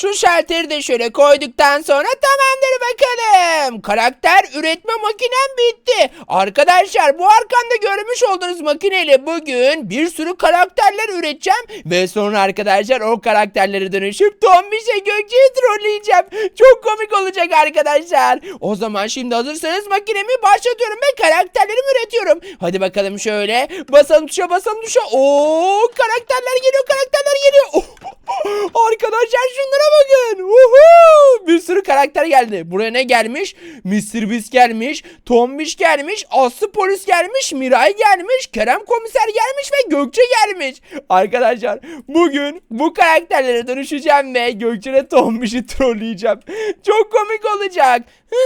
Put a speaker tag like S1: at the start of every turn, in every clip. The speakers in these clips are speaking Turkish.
S1: Şu şalteri de şöyle koyduktan sonra tamamdır bakalım. Karakter üretme makinem bitti. Arkadaşlar bu arkamda görmüş olduğunuz makineyle bugün bir sürü karakterler üreteceğim. Ve sonra arkadaşlar o karakterlere dönüşüp Tombiş'e Gökçe'yi trolleyeceğim. Çok komik olacak arkadaşlar. O zaman şimdi hazırsanız makinemi başlatıyorum ve karakterlerimi üretiyorum. Hadi bakalım şöyle. Basalım tuşa basalım tuşa. Oo, karakterler geliyor karakterler geliyor. Oh. Arkadaşlar şunlara bakın. Bir sürü karakter geldi. Buraya ne gelmiş? Mr. Beast gelmiş. Tombiş gelmiş. Aslı polis gelmiş. Miray gelmiş. Kerem komiser gelmiş ve Gökçe gelmiş. Arkadaşlar bugün bu karakterlere dönüşeceğim ve Gökçe'yle Tombiş'i trolleyeceğim. Çok komik olacak.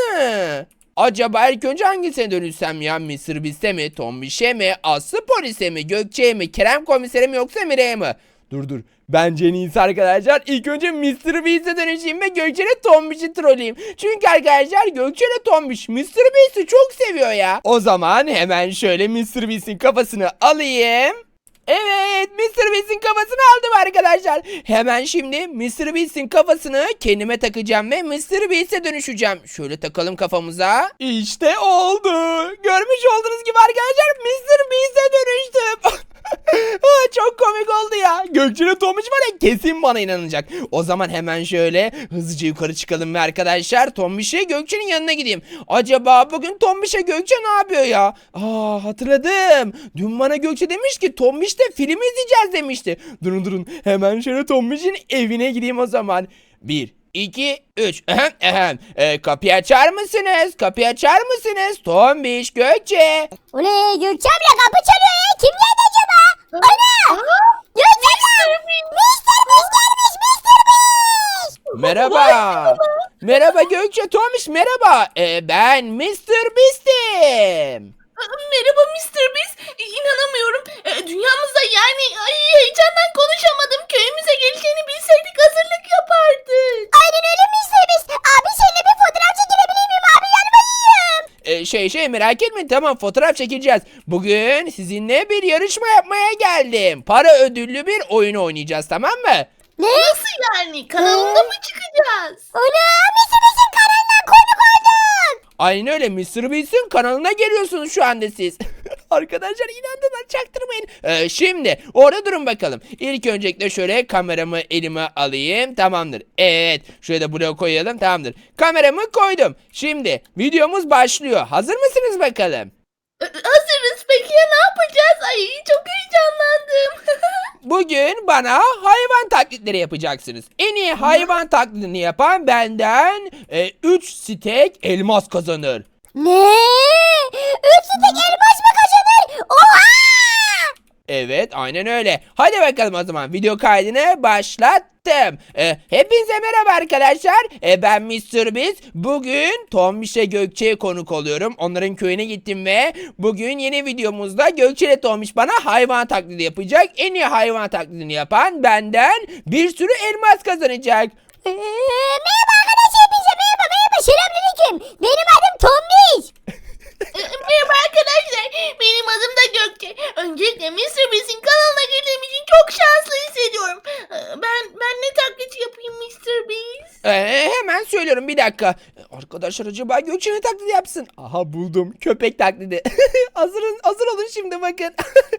S1: Acaba ilk önce hangisine dönüşsem ya? Mr. Beast'e mi? Tombiş'e mi? Aslı polise mi? Gökçe'ye mi? Kerem komisere mi yoksa Miray'a mı? Dur. Bence en iyisi arkadaşlar. İlk önce Mr. Beast'e dönüşeyim ve Gökçe'yle Tombiş'i trolleyeyim. Çünkü arkadaşlar Gökçe'yle Tombiş Mr. Beast'i çok seviyor ya. O zaman hemen şöyle Mr. Beast'in kafasını alayım. Evet, Mr. Beast'in kafasını aldım arkadaşlar. Hemen şimdi Mr. Beast'in kafasını kendime takacağım ve Mr. Beast'e dönüşeceğim. Şöyle takalım kafamıza. İşte oldu. Görmüş olduğunuz gibi arkadaşlar Mr. Beast'e dönüştüm. Çok komik oldu ya. Gökçe'yle Tomuş var ya, kesin bana inanacak. O zaman hemen şöyle hızlıca yukarı çıkalım ve arkadaşlar Tombiş'e Gökçe'nin yanına gideyim. Acaba bugün Tombiş'e Gökçe ne yapıyor ya? Hatırladım. Dün bana Gökçe demiş ki Tombiş'te film izleyeceğiz demişti. Durun. Hemen şöyle Tombiş'in evine gideyim o zaman. 1, 2, 3. Kapıyı açar mısınız? Kapıyı açar mısınız? Tombiş, Gökçe.
S2: Oley Gökçe abla kapı çalıyor ya. Kim geldi acaba? Ana! Gökçe abla! Mr. Beast gelmiş Mr. Beast!
S1: Merhaba. Merhaba Gökçe, Tombiş merhaba. Ben Mr. Beast'im.
S3: Merhaba Mr. Beast. İnanamıyorum. Dünyamızda yani heyecandan konuşamadım. Köyümüze geleceğini bilseydik hazırlık yapardık.
S2: Aynen öyle Mr. Beast. Abi seninle bir fotoğraf çekilebilir miyim abi? Yanıma yiyeyim.
S1: Merak etmeyin, tamam, fotoğraf çekeceğiz. Bugün sizinle bir yarışma yapmaya geldim. Para ödüllü bir oyun oynayacağız, tamam mı?
S2: Ne?
S3: Nasıl yani? Kanalında mı çıkacağız?
S2: Ana Mr. Beast'in kanalından konuk oldun.
S1: Aynen öyle, Mr. Beast'in kanalına geliyorsunuz şu anda siz. Arkadaşlar inandılar, çaktırmayın. Şimdi orada durun bakalım. İlk öncelikle şöyle kameramı elime alayım. Tamamdır. Evet. Şöyle de buraya koyalım. Tamamdır. Kameramı koydum. Şimdi videomuz başlıyor. Hazır mısınız bakalım?
S3: Hazırız. Peki ya ne yapacağız? Ay çok heyecanlandım.
S1: Bugün bana hayvan taklitleri yapacaksınız. En iyi hayvan taklidini yapan benden 3 stek elmas kazanır.
S2: Ne? 3 stek elmas mı kazanır? Oha!
S1: Evet, aynen öyle. Hadi bakalım o zaman video kaydını başlattım. Hepinize merhaba arkadaşlar. Ben Mr. Beast. Bugün Tombiş'e Gökçe'ye konuk oluyorum. Onların köyüne gittim ve bugün yeni videomuzda Gökçe ile Tombiş bana hayvan taklidi yapacak. En iyi hayvan taklidini yapan benden bir sürü elmas kazanacak.
S2: Merhaba arkadaşlar hepinize merhaba. Selamünaleyküm. Benim adım Tombiş.
S3: Merhaba arkadaşlar. Benim adım da Gökçe. Öncelikle Mr. Beast'in kanalına girdiğim için çok şanslı hissediyorum. Ben ne taklit yapayım Mr. Beast?
S1: Hemen söylüyorum, bir dakika. Arkadaşlar acaba Gökçe ne taklidi yapsın? Aha, buldum. Köpek taklidi. Hazır olun şimdi, bakın.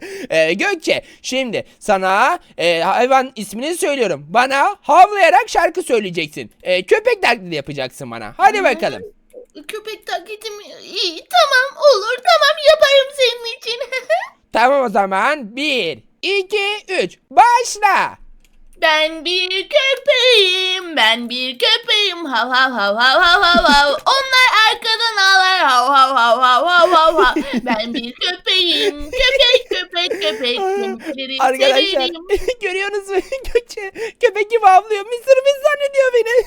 S1: Gökçe, şimdi sana hayvan ismini söylüyorum. Bana havlayarak şarkı söyleyeceksin. Köpek taklidi yapacaksın bana. Hadi bakalım.
S3: Köpek taklidim iyi. Tamam olur. Tamam yaparım senin için.
S1: Tamam o zaman. 1, 2, 3. Başla.
S3: Ben bir köpeğim, ben bir köpeğim, hav hav hav hav hav hav hav. Onlar arkadan ağlar, hav hav hav hav hav hav hav. Ben bir köpeğim, köpek, kemikleri
S1: Arkadaşlar
S3: severim.
S1: görüyorsunuz mu? Gökçe köpek gibi havlıyor. Mr. Beast zannediyor beni.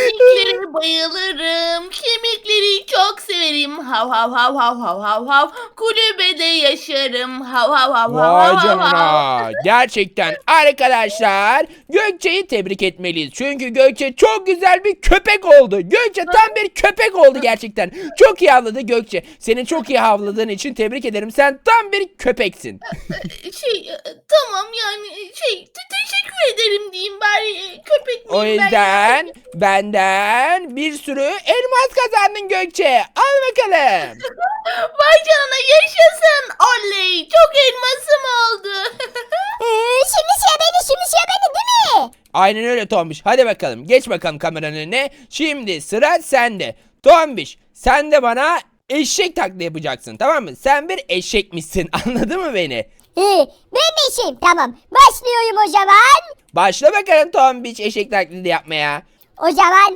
S3: Kemiklere bayılırım, kemikleri çok severim, hav hav hav hav hav hav hav. kulübede yaşarım. Hav hav hav hav
S1: Vay
S3: hav hav.
S1: canına. Gerçekten arkadaşlar Gökçe'yi tebrik etmeliyiz. Çünkü Gökçe çok güzel bir köpek oldu. Gökçe tam bir köpek oldu gerçekten. Çok iyi havladı Gökçe. Seni çok iyi havladığın için tebrik ederim. Sen tam bir köpeksin.
S3: Tamam yani teşekkür ederim diyeyim bari köpek
S1: O
S3: miyim ben?
S1: yüzden benden bir sürü elmas kazandın Gökçe. Al bakalım.
S3: Vay canına yaşasın. Oley çok elmasım oldu.
S2: Şimdi sıra bende değil mi?
S1: Aynen öyle Tombiş. Hadi bakalım. Geç bakalım kameranın önüne. Şimdi sıra sende. Tombiş sen de bana eşek taklidi yapacaksın, tamam mı? Sen bir eşekmişsin. Anladın mı beni?
S2: Ben de işim. Tamam. Başlıyorum o zaman.
S1: Başla bakalım Tombiş eşek taklidi yapmaya.
S2: O zaman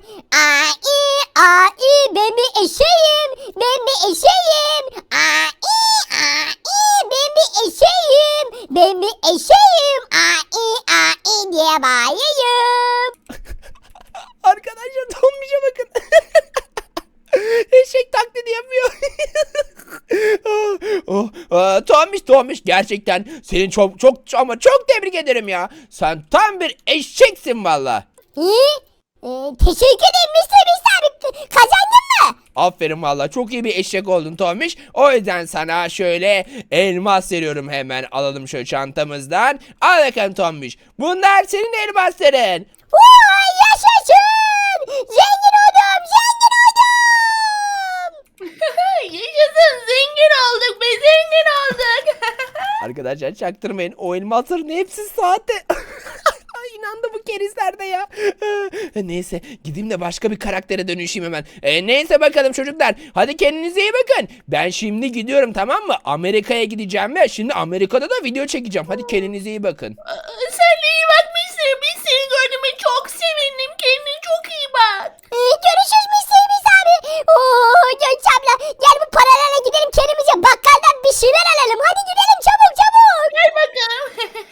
S2: ben bir eşeğim. Ben bir eşeğim. Ben bir eşeğim. Ben bir eşeğim. Diye bağırıyorum.
S1: Arkadaşlar Tombiş'e bakın. Eşek taklidi yapıyor. Tombiş gerçekten seni çok ama çok tebrik ederim ya. Sen tam bir eşeksin valla.
S2: Teşekkür ederim Mr. Beast abi. Kazandın mı?
S1: Aferin valla, çok iyi bir eşek oldun Tombiş. O yüzden sana şöyle elmas veriyorum, hemen alalım şöyle çantamızdan. Al bakalım Tombiş. Bunlar senin elmasların.
S2: Vay yaşasın. Zengin oldum.
S3: Yaşasın zengin olduk be zengin olduk.
S1: Arkadaşlar çaktırmayın, o elmasların hepsi sahte. Ay, İnandı bu kerizler de ya. Neyse gideyim de başka bir karaktere dönüşeyim hemen. Neyse bakalım çocuklar. Hadi kendinize iyi bakın. Ben şimdi gidiyorum, tamam mı? Amerika'ya gideceğim ve şimdi Amerika'da da video çekeceğim. Hadi kendinize iyi bakın.
S3: Sen de iyi bak Mr. Biz seni gördüğüme çok sevindim. Kendine çok iyi bak.
S2: Görüşürüz Mr. Beast abi. Gökçe abla gel bu paralarla gidelim kendimize bakkaldan bir şeyler alalım. Hadi gidelim çabuk.
S3: Gel bakalım.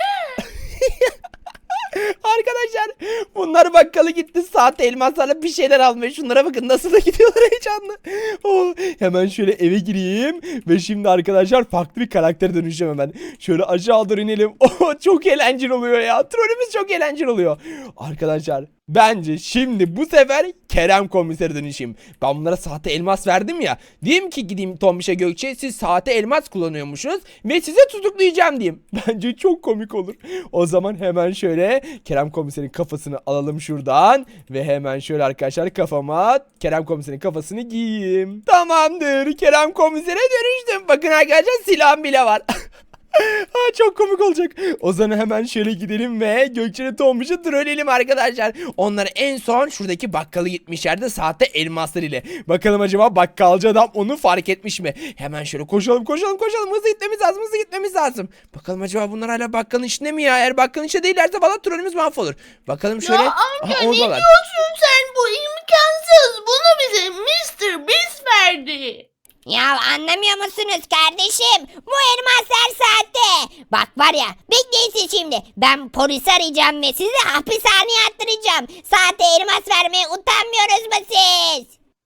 S1: Arkadaşlar bunlar bakkala gitti, sahte elmaslarla bir şeyler almaya. Şunlara bakın nasıl da gidiyorlar heyecanlı. Hemen şöyle eve gireyim ve şimdi arkadaşlar farklı bir karaktere dönüşeceğim hemen. Şöyle aşağı doğru inelim. Çok eğlenceli oluyor ya. Trollümüz çok eğlenceli oluyor. Arkadaşlar bence şimdi bu sefer Kerem komisere dönüşeyim. Ben bunlara sahte elmas verdim ya. Diyeyim ki gideyim Tombiş'e, Gökçe siz sahte elmas kullanıyormuşsunuz ve size tutuklayacağım diyeyim. Bence çok komik olur. O zaman hemen şöyle Kerem komiserin kafasını alalım şuradan. Ve hemen şöyle arkadaşlar kafama Kerem komiserin kafasını giyeyim. Tamamdır, Kerem komisere dönüştüm. Bakın arkadaşlar silahım bile var. Çok komik olacak. O zaman hemen şöyle gidelim ve Gökçe'yle Tombiş'i trolleyelim arkadaşlar. Onlar en son şuradaki bakkala gitmişlerdi sahte elmaslar ile. Bakalım acaba bakkalcı adam onu fark etmiş mi? Hemen şöyle koşalım. Hızlı gitmemiz lazım. Bakalım acaba bunlar hala bakkalın içinde mi ya? Eğer bakkalın içinde değillerse valla trollümüz mahvolur. Bakalım şöyle.
S3: Ya amca
S1: Aha,
S3: ne
S1: oradalar.
S3: diyorsun sen? Bu imkansız. Bunu bize Mr. Beast verdi.
S2: Ya anlamıyor musunuz kardeşim? Bu elmaslar sahte. Bak var ya bekleyin siz şimdi. Ben polisi arayacağım ve sizi hapishaneye attıracağım. Sahte elmas vermeye utanmıyoruz mu siz?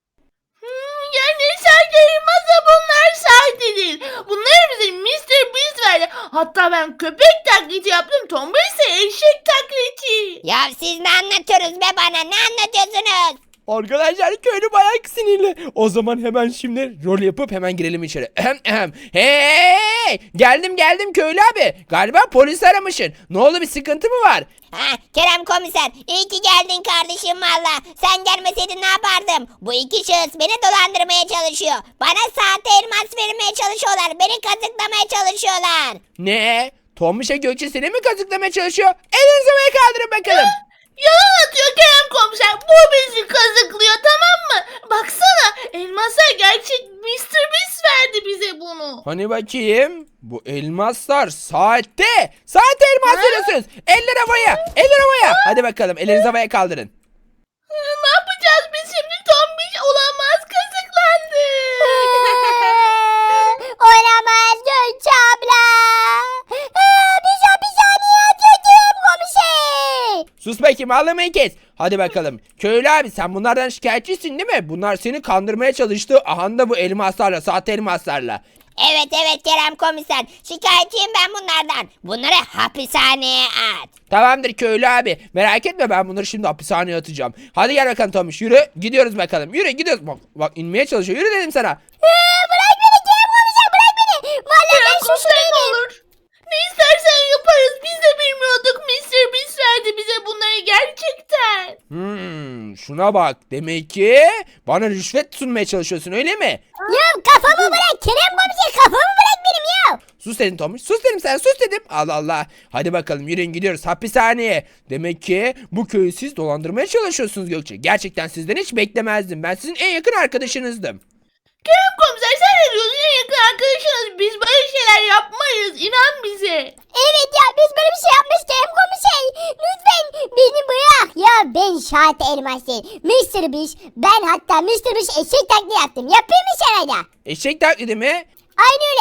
S3: Yani sahte elmasa bunlar sahte değil. Bunları bize Mr. Beast verdi. Hatta ben köpek taklidi yaptım. Tombiş ise eşek taklidi.
S2: Ya siz ne anlatıyorsunuz be bana? Ne anlatıyorsunuz?
S1: Arkadaşlar köylü bayağı sinirli. O zaman hemen şimdi rol yapıp hemen girelim içeri. Hey! Geldim köylü abi. Galiba polis aramışsın. Ne oldu, bir sıkıntı mı var?
S2: Kerem komiser iyi ki geldin kardeşim valla. Sen gelmeseydin ne yapardım? Bu iki şahıs beni dolandırmaya çalışıyor. Bana sahte elmas vermeye çalışıyorlar. Beni kazıklamaya çalışıyorlar.
S1: Ne? Tombiş'e Gökçe seni mi kazıklamaya çalışıyor? Elinizi havaya kaldırın bakalım.
S3: Yalan atıyor Kerem komiser. Bu bizi kazıklıyor, tamam mı? Baksana elmaslar gerçek. Mr. Beast verdi bize bunu.
S1: Hani bakayım. Bu elmaslar sahte. Sahte elmas veriyorsunuz. Eller havaya. Hadi bakalım ellerinizi havaya kaldırın.
S3: Ne yapacağız biz şimdi? Tombiş olamaz, kazıklandı.
S2: Olamaz Gökçe abla. Biz hapishaneye atıldım komiser.
S1: Sus bakayım, ağlamayı kes. Hadi bakalım. Köylü abi sen bunlardan şikayetçisin değil mi? Bunlar seni kandırmaya çalıştı. Aha da bu elmaslarla, sahte elmaslarla.
S2: Evet evet Kerem komiser. Şikayetçiyim ben bunlardan. Bunları hapishaneye at.
S1: Tamamdır köylü abi. Merak etme ben bunları şimdi hapishaneye atacağım. Hadi gel bakalım Tomiş yürü. Gidiyoruz bakalım. Yürü gidiyoruz. Bak inmeye çalışıyor. Yürü dedim sana.
S2: Bırak beni Kerem komiser bırak beni. Vallahi ben suçlu
S3: Komiser ne
S2: değilim.
S3: olur. Ne istersen yaparız. Biz de bilmiyorduk. Mr. Beast verdi bize bunları gerçekten.
S1: Şuna bak. Demek ki bana rüşvet sunmaya çalışıyorsun öyle mi?
S2: Ya kafamı bırak Kerem komiser kafamı bırak benim ya.
S1: Sus dedim Tomiş. Sus dedim sana sus dedim. Allah Allah. Hadi bakalım yürüyün gidiyoruz hapishaneye. Demek ki bu köyü siz dolandırmaya çalışıyorsunuz Gökçe. Gerçekten sizden hiç beklemezdim. Ben sizin en yakın arkadaşınızdım.
S3: Kerem komiser sen ne diyorsun? En yakın arkadaşınız. Biz böyle şeyler yapmayız. İnan bize.
S2: Evet ya biz böyle bir şey yapmış Kerem komiser. Lütfen beni bırak. Ya ben Şahit Elmas değil. Mr. Beast. Ben hatta Mr. Beast eşek taklidi yaptım. Yapayım mı sana da?
S1: Eşek taklidi mi?
S2: Aynı öyle.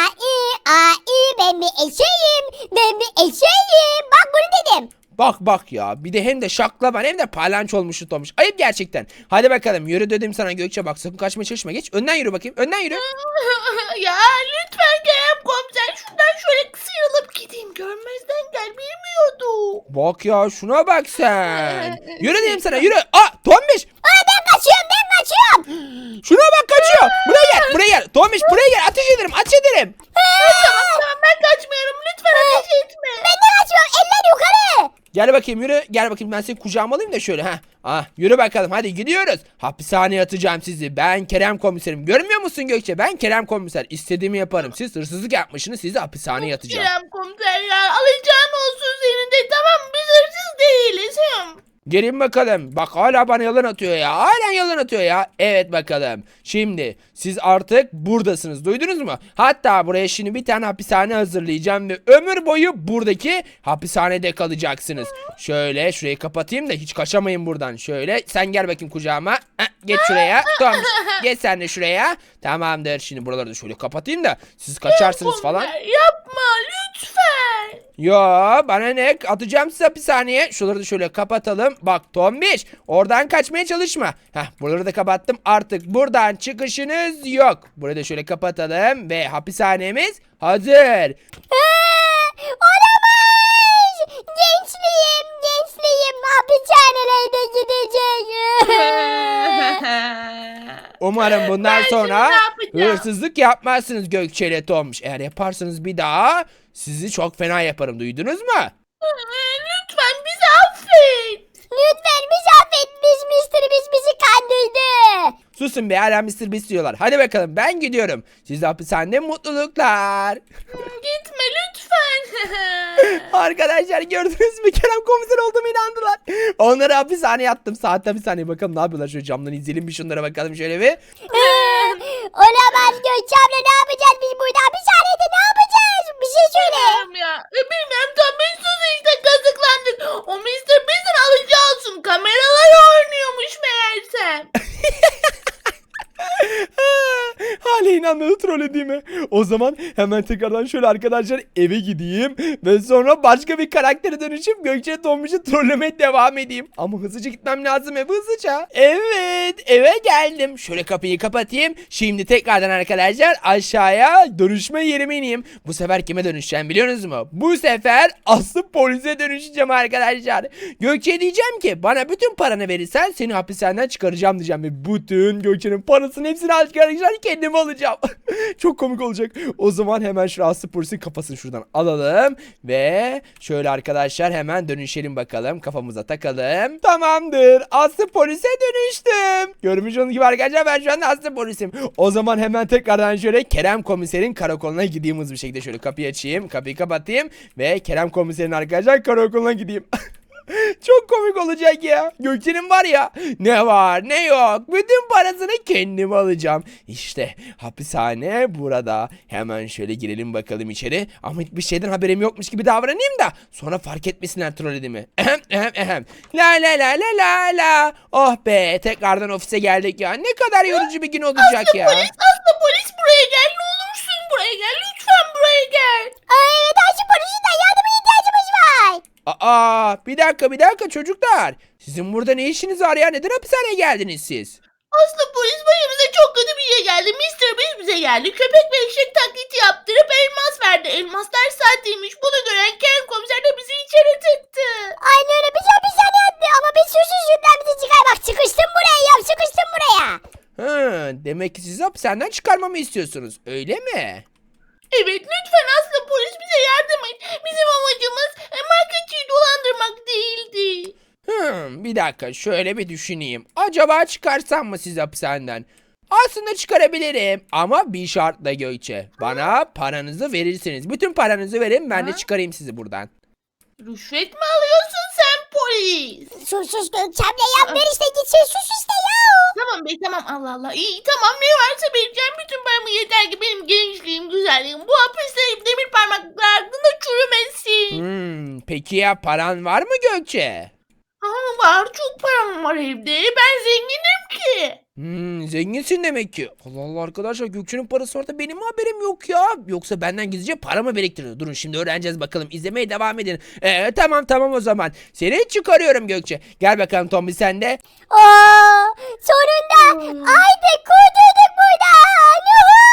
S2: Ben bir eşeğim. Ben bir eşeğim. Bak bunu dedim.
S1: Bak ya bir de hem de şaklaban hem de palanç olmuştu Tomiş. Ayıp gerçekten. Hadi bakalım yürü dedim sana Gökçe bak sakın kaçmaya çalışma geç. Önden yürü bakayım önden yürü.
S3: Ya lütfen Kerem komiser şuradan şöyle sıyrılıp gideyim. Görmezden gel bilmiyordum.
S1: Bak ya şuna bak sen. Yürü dedim sana yürü. Tomiş.
S2: Ben kaçıyorum ben kaçıyorum.
S1: Şuna bak kaçıyor. Buraya gel. Tomiş buraya gel. Ateş ederim.
S3: Tamam ben kaçmıyorum. Lütfen ateş etme.
S2: Ben de kaçıyorum. Eller yukarı.
S1: Gel bakayım yürü. Gel bakayım ben seni kucağıma alayım da şöyle. Yürü bakalım hadi gidiyoruz. Hapishaneye atacağım sizi. Ben Kerem komiserim. Görmüyor musun Gökçe? Ben Kerem komiser. İstediğimi yaparım. Siz hırsızlık yapmışsınız. Sizi hapishaneye atacağım.
S3: Kerem komiser ya alacağın olsun senin de. Tamam biz hırsız değiliz.
S1: Gelin bakalım. Bak hala bana yalan atıyor ya. Halen yalan atıyor ya. Evet bakalım. Şimdi siz artık buradasınız. Duydunuz mu? Hatta buraya şimdi bir tane hapishane hazırlayacağım ve ömür boyu buradaki hapishanede kalacaksınız. Şöyle şurayı kapatayım da hiç kaçamayın buradan. Şöyle sen gel bakayım kucağıma. Geç şuraya. Tamam. Geç sen de şuraya. Tamamdır. Şimdi buraları da şöyle kapatayım da siz kaçarsınız falan.
S3: Yapma lütfen.
S1: Yo bana ne atacağım sizi hapishaneye. Şuraları da şöyle kapatalım. Bak Tombiş oradan kaçmaya çalışma. Buraları da kapattım. Artık buradan çıkışınız yok. Burayı da şöyle kapatalım ve hapishanemiz hazır.
S2: Olamaz. Gençliğim hapishanelerde gidecek.
S1: Umarım bundan
S3: Ben
S1: sonra
S3: şimdi ne yapacağım?
S1: hırsızlık yapmazsınız Gökçe ile Tombiş. Eğer yaparsanız bir daha sizi çok fena yaparım. Duydunuz mu?
S3: Lütfen bizi affet.
S2: Lütfen bizi affet. Mr. Beast bizi kandırdı.
S1: Susun be hala Mr. Beast diyorlar. Hadi bakalım ben gidiyorum. Siz de hapishanede mutluluklar.
S3: Gitme lütfen.
S1: Arkadaşlar gördünüz mü Kerem komiser olduğumu inandılar. Onları hapishaneye attım. Saat hapishaneye bakalım ne yapıyorlar. Şöyle camdan izleyelim bir şunlara bakalım şöyle bir.
S2: Olamaz Gökçe abla ne yapacağız biz burada hapishanede ne yapacağız? Bir şey söyle.
S3: Bilmiyorum ya. Bilmiyorum tam biz sus işte kazıklandık. O Mr. Beast'in alacağı olsun. Kameralar oynuyormuş meğersem.
S1: Hala inanmadı trollediğime. O zaman hemen tekrardan şöyle arkadaşlar eve gideyim. Ve sonra başka bir karaktere dönüşüp Gökçe Tombiş'i trollemeye devam edeyim. Ama hızlıca gitmem lazım eve hızlıca. Evet eve geldim. Şöyle kapıyı kapatayım. Şimdi tekrardan arkadaşlar aşağıya dönüşme yerime ineyim. Bu sefer kime dönüşeceğim biliyorsunuz mu? Bu sefer aslı polise dönüşeceğim arkadaşlar. Gökçe'ye diyeceğim ki bana bütün paranı verirsen seni hapishaneden çıkaracağım diyeceğim. Ve bütün Gökçe'nin parasını hepsini arkadaşlar kendime alacağım. Çok komik olacak. O zaman hemen şu aslı polisin kafasını şuradan alalım. Ve şöyle arkadaşlar hemen dönüşelim bakalım. Kafamıza takalım. Tamamdır. Aslı polise dönüştüm. Görmüş olduğunuz gibi arkadaşlar ben şu anda aslı polisim. O zaman hemen tekrardan şöyle Kerem komiserin karakoluna gideyim hızlı bir şekilde. Şöyle kapıyı açayım. Kapıyı kapatayım. Ve Kerem komiserin arkadaşlar karakoluna gideyim. Çok komik olacak ya. Gökçe'nin var ya ne var ne yok bütün parasını kendim alacağım. İşte hapishane burada. Hemen şöyle girelim bakalım içeri. Ama hiçbir şeyden haberim yokmuş gibi davranayım da sonra fark etmesinler trollediğimi. La la la la la la. Oh be tekrardan ofise geldik ya. Ne kadar yorucu bir gün olacak ya.
S3: Polis buraya gel ne olursun buraya gel lütfen buraya gel.
S2: Evet Ayşe polisinden yardıma ihtiyacımız var.
S1: Bir dakika çocuklar. Sizin burada ne işiniz var ya? Neden hapishaneye geldiniz siz?
S3: Aslında polis başımıza çok kötü bir şey geldi. Mister Beast bize geldi. Köpek ve eşek taklidi yaptırıp elmas verdi. Elmaslar sahteymiş. Bunu gören Kerem komiser de bizi içeri tıktı.
S2: Aynı öyle bize hapishane attı ama biz suçsuz yüzden bizi çıkar. Bak sıkıştım buraya ya sıkıştım buraya.
S1: Hı, demek ki sizi hapishaneden çıkarmamı istiyorsunuz, öyle mi?
S3: Evet lütfen Aslı polis bize yardım et. Bizim amacımız marketçiyi dolandırmak değildi.
S1: Bir dakika, şöyle bir düşüneyim. Acaba çıkarsam mı sizi hapishaneden? Aslında çıkarabilirim ama bir şartla Gökçe. Bana paranızı verirsiniz. Bütün paranızı verin, ben de çıkarayım sizi buradan.
S3: Rüşvet mi alıyorsun sen polis?
S2: Sus Gökçem'le yap ver işte gitsin sus işte ya.
S3: Tamam be tamam Allah Allah. İyi tamam ne varsa vereceğim bütün paramı yeter ki benim gençliğim güzelliğim bu hapiste demir parmaklıklar hakkında çürümesin.
S1: Peki ya paran var mı Gökçe?
S3: Var çok param var evde ben zenginim ki.
S1: Zenginsin demek ki. Allah Allah arkadaşlar, Gökçe'nin parası var da benim haberim yok ya. Yoksa benden gizlice para mı biriktiriyor? Durun şimdi öğreneceğiz bakalım. İzlemeye devam edin. Tamam o zaman. Seni çıkarıyorum Gökçe. Gel bakalım Tombi sen de.
S2: Sonunda artık kurtulduk buradan.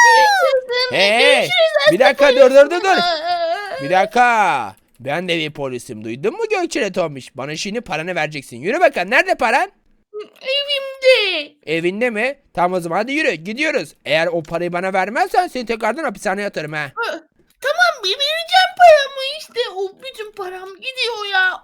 S1: Hey, bir dakika dur. Bir dakika. Ben de bir polisim. Duydun mu Gökçe'yle Tombiş? Bana şimdi paranı vereceksin. Yürü bakalım. Nerede paran?
S3: Evimde.
S1: Evinde mi? Tamam o zaman hadi yürü. Gidiyoruz. Eğer o parayı bana vermezsen seni tekrardan hapishaneye atarım ha.
S3: Tamam bir vereceğim paramı işte. O bütün param gidiyor ya.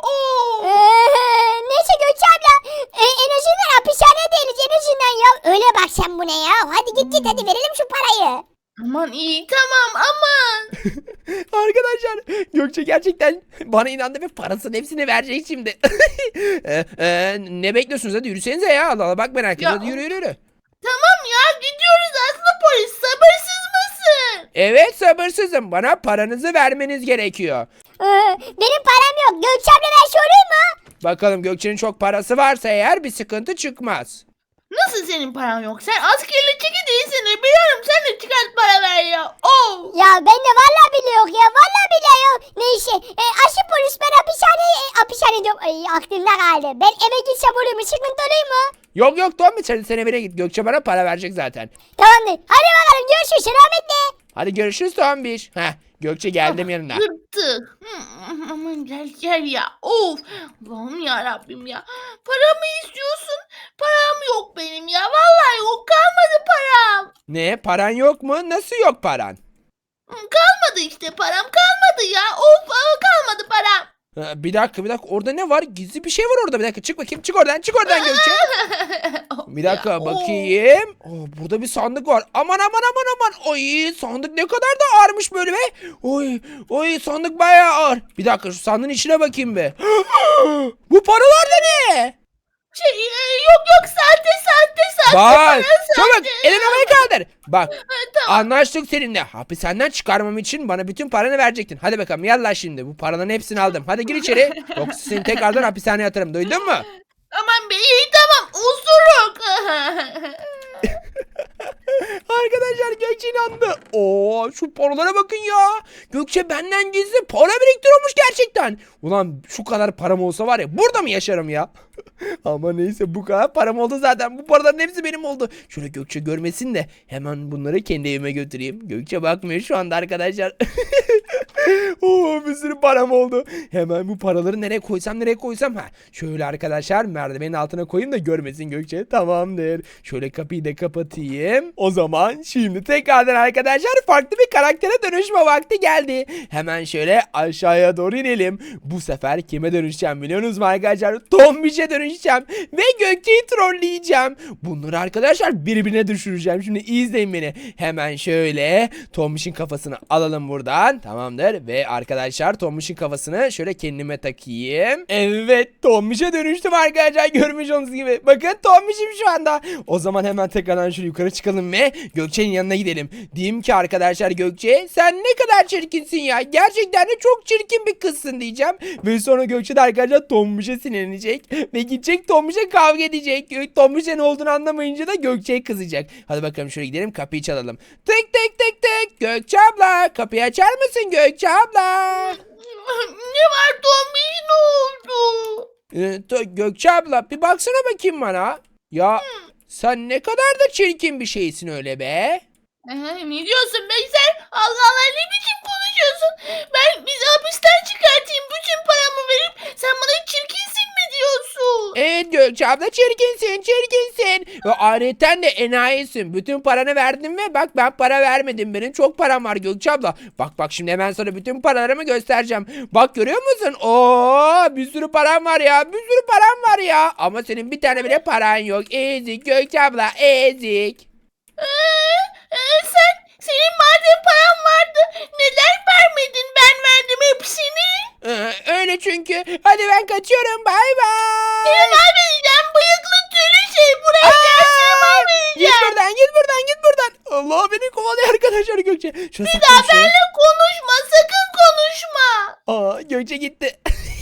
S2: Neyse Gökçe abla en azından hapishaneye değiliz en azından ya. Öyle bak sen bu ne ya. Hadi git hadi verelim şu parayı.
S3: Aman iyi tamam aman.
S1: Arkadaşlar Gökçe gerçekten bana inandı ve parasının hepsini verecek şimdi. Ne bekliyorsunuz, hadi yürüsenize ya. Allah Allah, bak merak ettim.
S3: Ya,
S1: Hadi yürü.
S3: Tamam ya gidiyoruz aslında polis sabırsız mısın?
S1: Evet, sabırsızım. Bana paranızı vermeniz gerekiyor.
S2: Benim param yok. Gökçe abla ver şey olur mu?
S1: Bakalım Gökçe'nin çok parası varsa eğer bir sıkıntı çıkmaz.
S3: Nasıl senin paran yok? Sen askerli çeki değilsin. Biliyorum sen de çıkart para ver ya.
S2: Ya ben de vallahi bile yok ya. Vallahi bile yok. Neyse aşı polis ben hapishane diyorum. Ay aklımda kaldı. Ben eve gitsem olur mu? Sıkıntı olur mu?
S1: Yok Tommy, sen evine git. Gökçe bana para verecek zaten.
S2: Tamamdır. Hadi bakalım görüşürüz. Selametle.
S1: Hadi görüşürüz Tombiş. Gökçe geldim yanına.
S3: Yırttı. Aman gel ya. Of. Allah'ım ya Rabbim ya. Paramı istiyorsun. Param yok benim ya. Vallahi yok. Kalmadı param.
S1: Ne, paran yok mu? Nasıl yok paran?
S3: Kalmadı işte param. Kalmadı ya. Of kalmadı param.
S1: Bir dakika, orada ne var? Gizli bir şey var orada. Bir dakika, çık bakayım, çık oradan Gökçe. Bir dakika bakayım. Burada bir sandık var. Aman. Oy, sandık ne kadar da ağırmış böyle be. Oy, sandık bayağı ağır. Bir dakika, şu sandığın içine bakayım be. Bu paralar da ne?
S3: Yok sahte
S1: Bak,
S3: para
S1: çabuk
S3: sahte.
S1: elini havaya kaldır. Bak,
S3: Tamam.
S1: anlaştık seninle. Hapishaneden çıkarmam için bana bütün paranı verecektin. Hadi bakalım yallah şimdi. Bu paraların hepsini aldım. Hadi gir içeri. Yoksa seni tekrardan hapishaneye atarım. Duydun mu?
S3: Aman be iyi tamam osuruk.
S1: Arkadaşlar Gökçe inandı. Şu paralara bakın ya. Gökçe benden gizli para biriktiriyormuş gerçekten. Ulan şu kadar param olsa var ya, burada mı yaşarım ya? Ama neyse, bu kadar param oldu zaten. Bu paraların hepsi benim oldu. Şöyle Gökçe görmesin de hemen bunları kendi evime götüreyim. Gökçe bakmıyor şu anda arkadaşlar. Bir sürü param oldu. Hemen bu paraları nereye koysam. Şöyle arkadaşlar merdivenin altına koyayım da görmesin Gökçe. Tamamdır. Şöyle kapıyı da kapatayım. O zaman şimdi tekrardan arkadaşlar farklı bir karaktere dönüşme vakti geldi. Hemen şöyle aşağıya doğru inelim. Bu sefer kime dönüşeceğim biliyorsunuz mu arkadaşlar? Tombiş'e dönüşeceğim. Ve Gökçe'yi trolleyeceğim. Bunları arkadaşlar birbirine düşüreceğim. Şimdi iyi izleyin beni. Hemen şöyle Tombiş'in kafasını alalım buradan. Tamamdır. Ve arkadaşlar Tombiş'in kafasını şöyle kendime takayım. Evet, Tombiş'e dönüştüm arkadaşlar. Görmüş olduğunuz gibi. Bakın Tombiş'im şu anda. O zaman hemen tekrardan şöyle yukarı çıkalım ve Gökçe'nin yanına gidelim. Diyeyim ki arkadaşlar Gökçe, sen ne kadar çirkinsin ya. Gerçekten de çok çirkin bir kızsın diyeceğim. Ve sonra Gökçe de arkadaşlar Tombiş'e sinirlenecek. Ve gidecek Tombiş'e kavga edecek. Tombiş'e ne olduğunu anlamayınca da Gökçe'ye kızacak. Hadi bakalım şöyle gidelim, kapıyı çalalım. Tık. Gökçe abla, kapıyı açar mısın Gökçe abla?
S3: Ne var Tombiş ne oldu?
S1: Gökçe abla bir baksana bakayım bana. Ya Sen ne kadar da çirkin bir şeysin öyle be.
S3: Ne diyorsun be sen? Allah Allah ne biçim konuşuyorsun? Ben bizi hapisten çıkartayım bütün paramı verip sen bana çirkinsin mi diyorsun?
S1: Evet Gökçe abla çirkinsin çirkinsin. Ve ayrıca de enayisin. Bütün paranı verdin ve bak ben para vermedim. Benim çok param var Gökçe abla. Bak şimdi hemen sana bütün paralarımı göstereceğim. Bak görüyor musun? Oo bir sürü param var ya. Bir sürü param var ya. Ama senin bir tane bile paran yok. Ezik Gökçe abla ezik.
S3: Senin madem paran vardı neden vermedin? Ben verdim hepsini.
S1: Öyle çünkü. Hadi ben kaçıyorum. Bay bay.
S3: Seni mahvedeceğim bıyıklı tüylü şey. Buraya gel seni
S1: Git
S3: mahvedeceğim.
S1: buradan git buradan git buradan. Allah beni kovalıyor arkadaşlar Gökçe. Şöyle
S3: Bir daha benimle konuşma sakın konuşma.
S1: Gökçe gitti.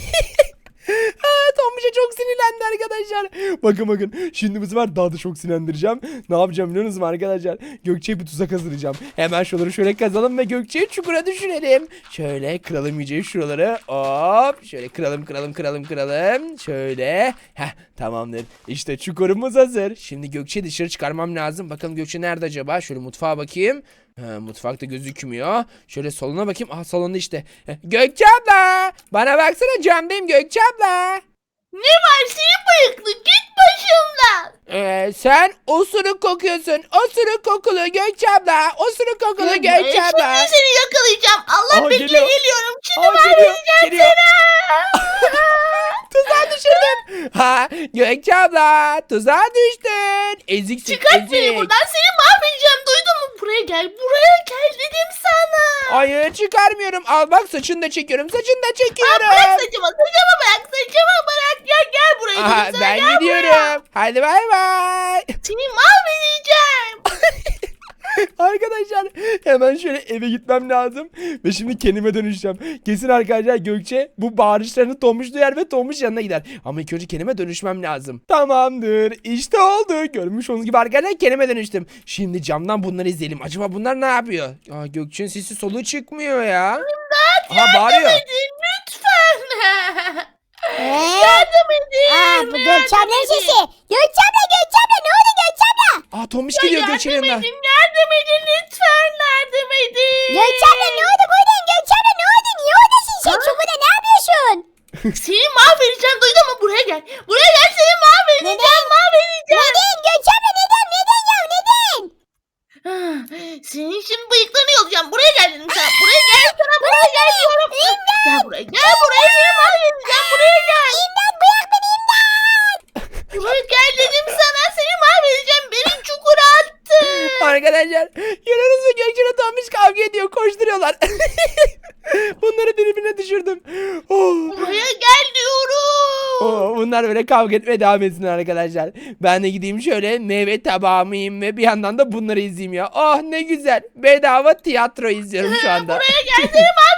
S1: Tombiş'e çok sinirlendi arkadaşlar. Bakın. Şimdi bu sefer daha da çok sinirlendireceğim. Ne yapacağım biliyor musunuz arkadaşlar? Gökçe'ye bir tuzak hazırlayacağım. Hemen şuraları şöyle kazalım ve Gökçe'yi çukura düşürelim. Şöyle kıralım iyice şuraları. Hop. Şöyle kıralım. Şöyle. Tamamdır. İşte çukurumuz hazır. Şimdi Gökçe'yi dışarı çıkarmam lazım. Bakalım Gökçe nerede acaba? Şöyle mutfağa bakayım. Mutfakta gözükmüyor. Şöyle salona bakayım. Salonda işte. Gökçe abla. Bana baksana camdayım Gökçe abla.
S3: Ne var senin bıyıklı git başımdan.
S1: Sen osuruk kokuyorsun. Osuruk kokulu Gökçe abla. Osuruk kokulu Gökçe abla.
S3: Şimdi seni yakalayacağım. Allah bekle
S1: geliyor.
S3: geliyorum. Şimdi
S1: Geliyor.
S3: mahvedeceğim seni.
S1: Tuzağa düşürdüm. Gökçe abla. Tuzağa düştün. Eziksin
S3: Çıkart beni
S1: ezik.
S3: buradan seni mahvedeceğim. Duydun mu? Buraya gel dedim sana.
S1: Hayır çıkarmıyorum. Al bak saçını da çekiyorum. Saçını da çekiyorum.
S3: Bırak saçımı bırak. Ya gel buraya dedim sana.
S1: Ben
S3: Gel
S1: gidiyorum.
S3: buraya.
S1: Hadi bay bay.
S3: Seni mahvedeceğim.
S1: Arkadaşlar hemen şöyle eve gitmem lazım. Ve şimdi kendime dönüşeceğim. Kesin arkadaşlar Gökçe bu bağırışlarını Tomuş duyar ve Tomuş yanına gider. Ama ilk önce kendime dönüşmem lazım. Tamamdır. İşte oldu. Görmüş olduğunuz gibi arkadaşlar kendime dönüştüm. Şimdi camdan bunları izleyelim. Acaba bunlar ne yapıyor? Gökçe'nin sesi soluğu çıkmıyor ya. Bağırıyor.
S3: Edin lütfen.
S2: Ee?
S3: Yardım edin.
S2: Bu Gökçe ablanın sesi. Gökçe abla ne oldu Gökçe abla?
S1: Tomuş geliyor Gökçe'nin yanına.
S3: Yardım edin lütfen yardım edin.
S2: Gökçe abla ne oldu buradayım Gökçe abla ne oldu? Niye oradasın sen? Çukurda ne yapıyorsun?
S3: Seni mahvedeceğim duydun mu? Buraya gel seni mahvedeceğim.
S2: Neden Gökçe abla neden ya neden?
S3: Senin şimdi bıyıklarını yolacağım. Buraya gel dedim sana. Buraya gel diyorum. Gel buraya seni mahvedeceğim. Buraya gel.
S2: İmdat bırak beni imdat.
S3: Buraya gel dedim sana. Seni mahvedeceğim. Beni çukura attı.
S1: Arkadaşlar görüyorsunuz Gökçe ile Tomuş kavga ediyor. Koşturuyorlar. Bunları birbirine düşürdüm.
S3: Buraya gel diyorum.
S1: Bunlar böyle kavga etmeye devam etsin arkadaşlar. Ben de gideyim şöyle meyve tabağımı yiyeyim ve bir yandan da bunları izleyeyim ya. Oh ne güzel. Bedava tiyatro izliyorum şu anda.
S3: Buraya gel seni mahvedeceğim.